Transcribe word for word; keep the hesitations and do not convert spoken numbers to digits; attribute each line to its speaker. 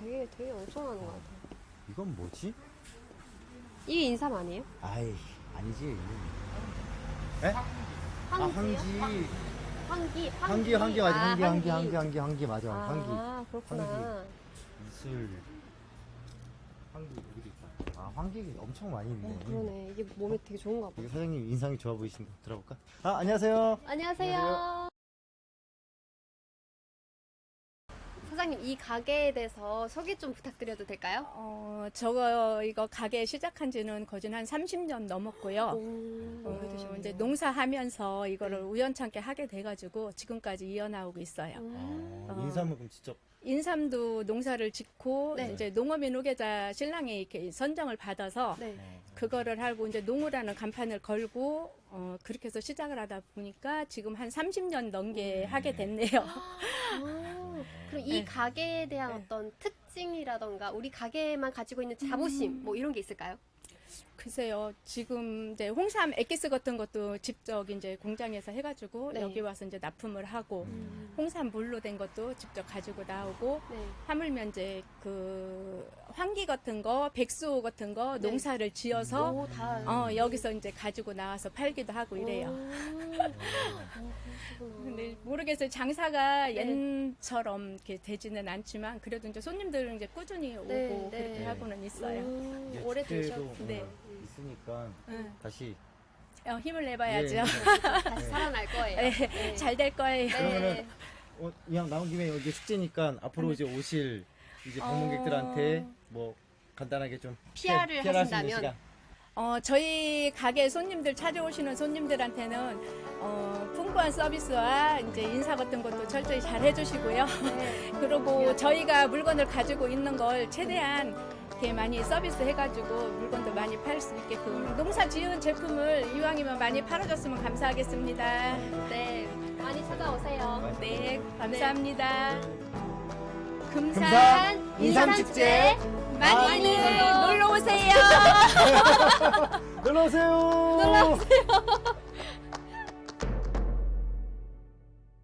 Speaker 1: 되게 되게 엄청 하는 것 같아요.
Speaker 2: 이건 뭐지?
Speaker 1: 이게 인삼 아니에요?
Speaker 2: 아이, 아니지. 에? 아,
Speaker 1: 황지요?
Speaker 2: 황지.
Speaker 1: 황기,
Speaker 2: 황기, 황기 맞아.
Speaker 1: 아,
Speaker 2: 황기, 황기, 황기, 황기, 황기 맞아.
Speaker 1: 아,
Speaker 2: 황기.
Speaker 1: 그렇구나.
Speaker 2: 이슬. 황기 여기 있다. 아, 황기 엄청 많이 있네.
Speaker 1: 어, 그러네. 이게 몸에 되게 좋은가 봐.
Speaker 2: 여기 사장님 인상이 좋아 보이신다. 들어볼까? 아, 안녕하세요.
Speaker 1: 안녕하세요.
Speaker 2: 안녕하세요.
Speaker 1: 사장님, 이 가게에 대해서 소개 좀 부탁드려도 될까요?
Speaker 3: 어, 저거 이거 가게 시작한 지는 거진 한 삼십 년 넘었고요.
Speaker 1: 오,
Speaker 3: 어,
Speaker 1: 오래되셨네요.
Speaker 3: 이제 농사하면서 이거를 우연찮게 하게 돼가지고 지금까지 이어나오고 있어요.
Speaker 1: 음.
Speaker 2: 아,
Speaker 3: 어.
Speaker 2: 인삼은 그럼 직접.
Speaker 3: 인삼도 농사를 짓고
Speaker 1: 네.
Speaker 3: 이제 농어민 후계자 신랑이 이렇게 선정을 받아서
Speaker 1: 네.
Speaker 2: 어.
Speaker 3: 그거를 하고 이제 농우라는 간판을 걸고 어, 그렇게 해서 시작을 하다 보니까 지금 한 삼십 년 넘게 하게 됐네요.
Speaker 1: 아, 그럼 이
Speaker 3: 네.
Speaker 1: 가게에 대한
Speaker 3: 네.
Speaker 1: 어떤 특징이라던가 우리 가게만 가지고 있는 자부심 뭐 이런 게 있을까요?
Speaker 3: 글쎄요, 지금 이제 홍삼 엑기스 같은 것도 직접 이제 공장에서 해가지고
Speaker 1: 네.
Speaker 3: 여기 와서 이제 납품을 하고
Speaker 2: 음.
Speaker 3: 홍삼 물로 된 것도 직접 가지고 나오고
Speaker 1: 네.
Speaker 3: 하물며 이제 그 황기 같은 거, 백수 같은 거
Speaker 1: 네.
Speaker 3: 농사를 지어서
Speaker 1: 오, 다.
Speaker 3: 어, 여기서 이제 가지고 나와서 팔기도 하고 이래요.
Speaker 1: 오, 어, 그러시구나.
Speaker 3: 근데 모르겠어요. 장사가
Speaker 1: 네.
Speaker 3: 옛처럼 이렇게 되지는 않지만 그래도 이제 손님들은 이제 꾸준히 오고
Speaker 1: 네, 네.
Speaker 3: 그렇게
Speaker 2: 네.
Speaker 3: 하고는 있어요.
Speaker 1: 음,
Speaker 2: 이제
Speaker 1: 오래
Speaker 2: 축제도
Speaker 1: 되셨.
Speaker 3: 네.
Speaker 2: 어, 있으니까
Speaker 3: 응.
Speaker 2: 다시.
Speaker 3: 어, 힘을 내봐야죠.
Speaker 2: 예,
Speaker 1: 다시
Speaker 2: 네.
Speaker 1: 살아날 거예요.
Speaker 3: 네,
Speaker 1: 네.
Speaker 3: 잘 될 거예요.
Speaker 2: 그러면은 어, 그냥 나온 김에 여기 축제니까 앞으로 이제 오실 이제 방문객들한테
Speaker 3: 어.
Speaker 2: 뭐 간단하게 좀
Speaker 1: 피아르을
Speaker 2: 피아르 할수 있는
Speaker 1: 하신다면?
Speaker 2: 시간.
Speaker 3: 어, 저희 가게 손님들 찾아오시는 손님들한테는 어, 풍부한 서비스와 이제 인사 같은 것도 철저히 잘 해주시고요.
Speaker 1: 네.
Speaker 3: 그리고 저희가 물건을 가지고 있는 걸 최대한 이렇게 많이 서비스 해가지고 물건도 많이 팔 수 있게끔 농사 지은 제품을 이왕이면 많이 팔아줬으면 감사하겠습니다.
Speaker 1: 네, 많이 찾아오세요.
Speaker 3: 네, 감사합니다. 금산,
Speaker 2: 금산 인삼축제
Speaker 3: 많이
Speaker 1: 많이
Speaker 3: 놀러 오세요.
Speaker 2: 놀러 오세요.
Speaker 1: 놀러 오세요.